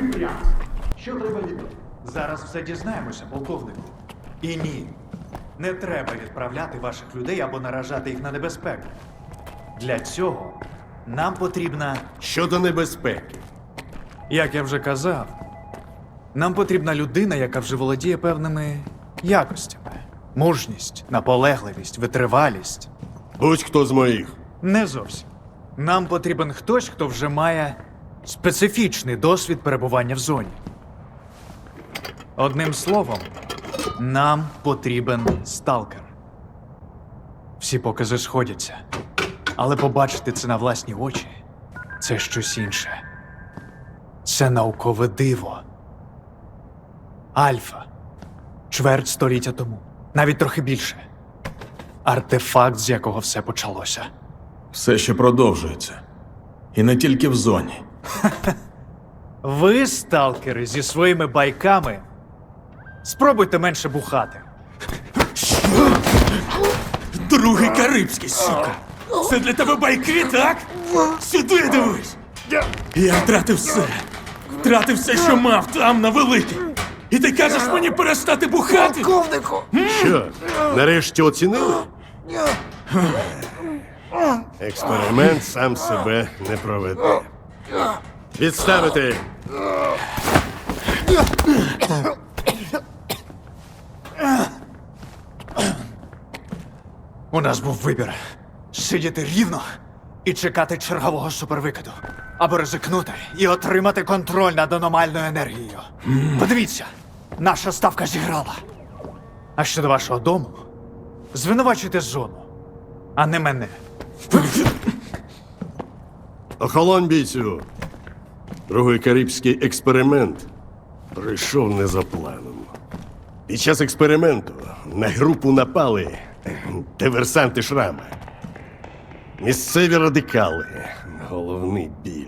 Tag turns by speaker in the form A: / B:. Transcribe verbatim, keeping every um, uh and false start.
A: прямо. Що треба від нас?
B: Зараз все дізнаємося, полковнику. І ні, не треба відправляти ваших людей або наражати їх на небезпеку. Для цього нам потрібна,
C: Щодо небезпеки.
B: як я вже казав, нам потрібна людина, яка вже володіє певними якостями. Мужність, наполегливість, витривалість.
C: Будь-хто з моїх.
B: Не зовсім. Нам потрібен хтось, хто вже має специфічний досвід перебування в зоні. Одним словом, нам потрібен сталкер. Всі покази сходяться. Але побачити це на власні очі – це щось інше. Це наукове диво. Альфа. Чверть століття тому. Навіть трохи більше. Артефакт, з якого все почалося.
D: Все ще продовжується. І не тільки в зоні.
B: Ви, сталкери, зі своїми байками, спробуйте менше бухати.
D: Другий Карибський, сука! Це для тебе байки, так? Сюди дивись! Я втратив все. Втратив все, що мав там, на великій. І ти кажеш мені перестати бухати?
C: Що, нарешті оцінили? Експеримент сам себе не проведе. Відставити!
B: У нас був вибір. Сидіти рівно і чекати чергового супервикиду. Або ризикнути і отримати контроль над аномальною енергією. Подивіться, наша ставка зіграла. А щодо вашого дому, звинувачуйте зону, а не мене.
C: Охолонь, бійцю! Другий карибський експеримент пройшов не за планом. Під час експерименту на групу напали диверсанти Шрама. Місцеві радикали. Головний біль.